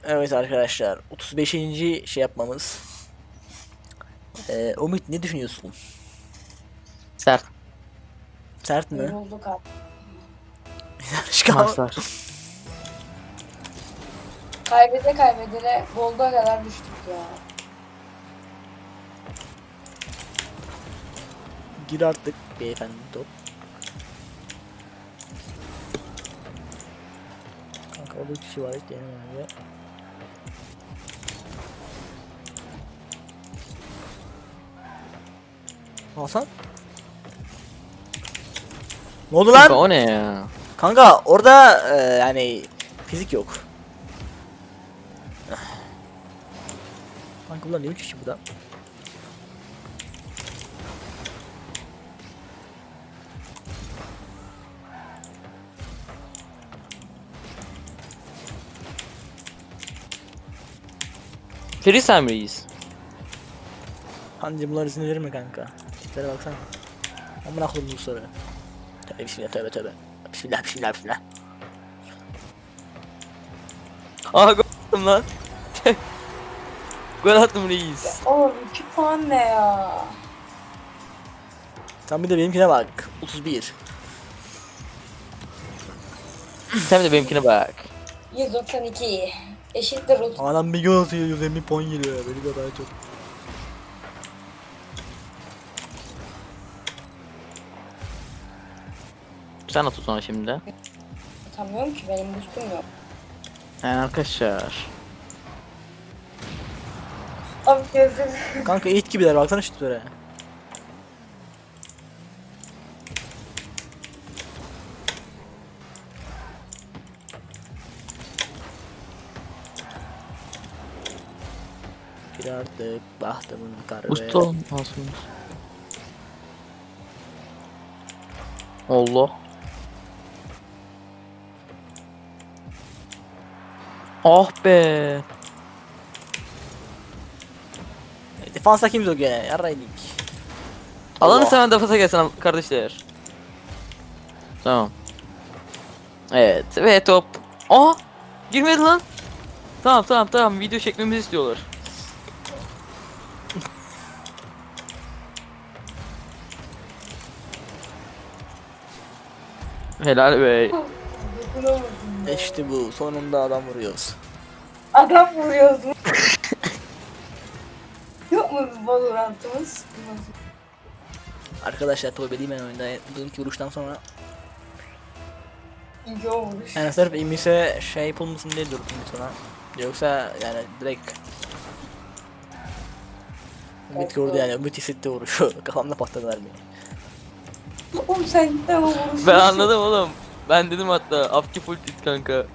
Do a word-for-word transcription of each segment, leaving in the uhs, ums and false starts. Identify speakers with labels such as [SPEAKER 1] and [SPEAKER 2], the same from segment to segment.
[SPEAKER 1] Evet arkadaşlar, otuz beşinci şey yapmamız. Ee, Umut, ne düşünüyorsun?
[SPEAKER 2] Sert
[SPEAKER 1] Sert mi?
[SPEAKER 3] Yorulduk abi.
[SPEAKER 1] Çıkar.
[SPEAKER 2] maçlar.
[SPEAKER 3] Kaybede kaybedene Gold'a kadar düştük ya.
[SPEAKER 1] Gir artık beyefendi top. Kanka orada bir kişi var, hiç denemiyor. Hasan? Ne oldu
[SPEAKER 2] Kanka
[SPEAKER 1] lan?
[SPEAKER 2] o ne ya?
[SPEAKER 1] Kanka orada e, yani fizik yok. Kanka bunlar ne üç kişi burada?
[SPEAKER 2] Ferisem reis.
[SPEAKER 1] Hancı bunlar izin verir mi kanka? Şöyle baksana. Amına koydum bu soru. Tövbe bismillah, tövbe tövbe. Bismillah bismillah bismillah.
[SPEAKER 2] Aha gol attım lan. Gol attım reis.
[SPEAKER 3] Oğlum iki puan ne ya?
[SPEAKER 1] Sen bir de benimkine bak. otuz bir.
[SPEAKER 2] Sen de benimkine bak.
[SPEAKER 3] yüz doksan iki. Eşittir otuz.
[SPEAKER 1] Adam bir gol atıyor, yüz elli puan geliyor. Benim kadar çok.
[SPEAKER 2] Sen at o sonra şimdi.
[SPEAKER 3] Atamıyorum ki, benim boostum yok.
[SPEAKER 2] Yani arkadaşlar.
[SPEAKER 3] Abi gözüm.
[SPEAKER 1] Kanka it gibiler, baksana şu tiplere. Bir artık bahtımın karı.
[SPEAKER 2] Usta olmasın. Allah. Ah be.
[SPEAKER 1] Defansa kim yok gene? Yarraydık.
[SPEAKER 2] Alanı
[SPEAKER 1] Allah.
[SPEAKER 2] seven defasa gelsin kardeşler. Tamam. Evet ve top. Aa! Girmedi lan. Tamam tamam tamam, video çekmemizi istiyorlar. Helal be.
[SPEAKER 3] Dokunamadım ya.
[SPEAKER 1] İşte bu. Sonunda adam vuruyoruz.
[SPEAKER 3] Adam vuruyoruz mu? Yok mu bir Valorant'ımız?
[SPEAKER 1] Arkadaşlar tövbe değil ben oyunda. Dünkü vuruştan sonra.
[SPEAKER 3] İlk o vuruş.
[SPEAKER 1] Yani sırf imise şey yapılmasın diye durdum sonra. Yoksa yani direkt. Ümit gördü yani. Ümit hissetti vuruşu. Kafamda patladı mermiyi.
[SPEAKER 3] Oğlum sen gittin o vuruşu.
[SPEAKER 2] Ben anladım oğlum. Ben dedim hatta Afki full tit kanka.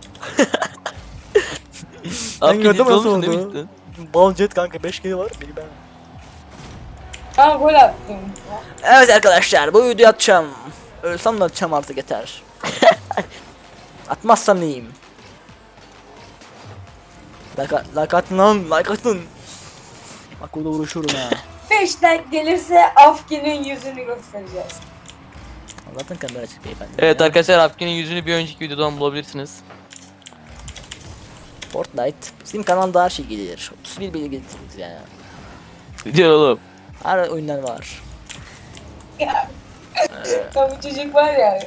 [SPEAKER 2] Afki
[SPEAKER 1] gördüm
[SPEAKER 2] tit
[SPEAKER 1] nasıl
[SPEAKER 2] olmuşsun
[SPEAKER 1] oldu.
[SPEAKER 2] demiştin.
[SPEAKER 1] Bal jet kanka, beş kere var. Biri ben.
[SPEAKER 3] Ha gol attım.
[SPEAKER 1] Evet arkadaşlar, bu videoyu atacağım. Ölsem de atacağım artık, yeter. Atmazsam neyim? Like, like atın lan, like atın. Bak burada vuruşurum ha.
[SPEAKER 3] beş like gelirse Afkin'in yüzünü göstereceğiz.
[SPEAKER 1] Zaten kamera açık beyefendi.
[SPEAKER 2] Evet arkadaşlar, Afki'nin yüzünü bir önceki videodan bulabilirsiniz.
[SPEAKER 1] Fortnite. Bizim kanalda her şey gelir. otuz bir bilgi getiririz yani.
[SPEAKER 2] Diyor oğlum.
[SPEAKER 1] Her oyundan var.
[SPEAKER 3] Ya. Ya bu çocuk var ya.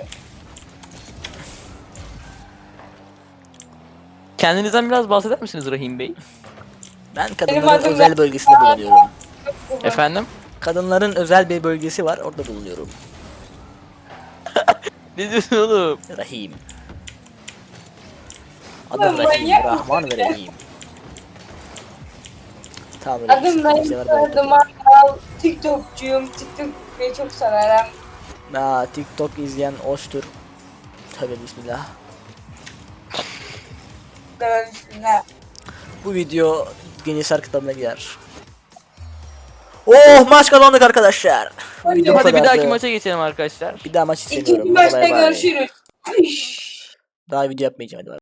[SPEAKER 2] Kendinizden biraz bahseder misiniz Rahim Bey?
[SPEAKER 1] Ben
[SPEAKER 3] Benim
[SPEAKER 1] kadınların
[SPEAKER 3] adım
[SPEAKER 1] özel
[SPEAKER 3] da-
[SPEAKER 1] bölgesinde bulunuyorum.
[SPEAKER 2] Efendim?
[SPEAKER 1] Kadınların özel bir bölgesi var, orada bulunuyorum.
[SPEAKER 2] Ne diyorsun oğlum?
[SPEAKER 1] Rahim.
[SPEAKER 3] Ulan
[SPEAKER 1] Adım Rahim,
[SPEAKER 3] manyak
[SPEAKER 1] Rahman
[SPEAKER 3] mısın
[SPEAKER 1] ve
[SPEAKER 3] ya?
[SPEAKER 1] Rahim. Tamam,
[SPEAKER 3] Adım
[SPEAKER 1] reis, kimse var
[SPEAKER 3] Naim
[SPEAKER 1] böyle.
[SPEAKER 3] Sardım Akal. TikTokçuyum. TikTok'u çok severim.
[SPEAKER 1] Aa, TikTok izleyen hoştur. Tövbe bismillah.
[SPEAKER 3] Severim üstüne.
[SPEAKER 1] Bu video Guinness kitabına girer. Oh, maç kazandık arkadaşlar. Bu video bu
[SPEAKER 2] Hadi bir
[SPEAKER 1] kadardı.
[SPEAKER 2] dahaki maça geçelim arkadaşlar.
[SPEAKER 1] Bir daha maç istemiyorum.
[SPEAKER 3] İkinci
[SPEAKER 1] Hadi
[SPEAKER 3] maçta
[SPEAKER 1] bay bay.
[SPEAKER 3] görüşürüz. Hış.
[SPEAKER 1] Daha video yapmayacağım, hadi bay.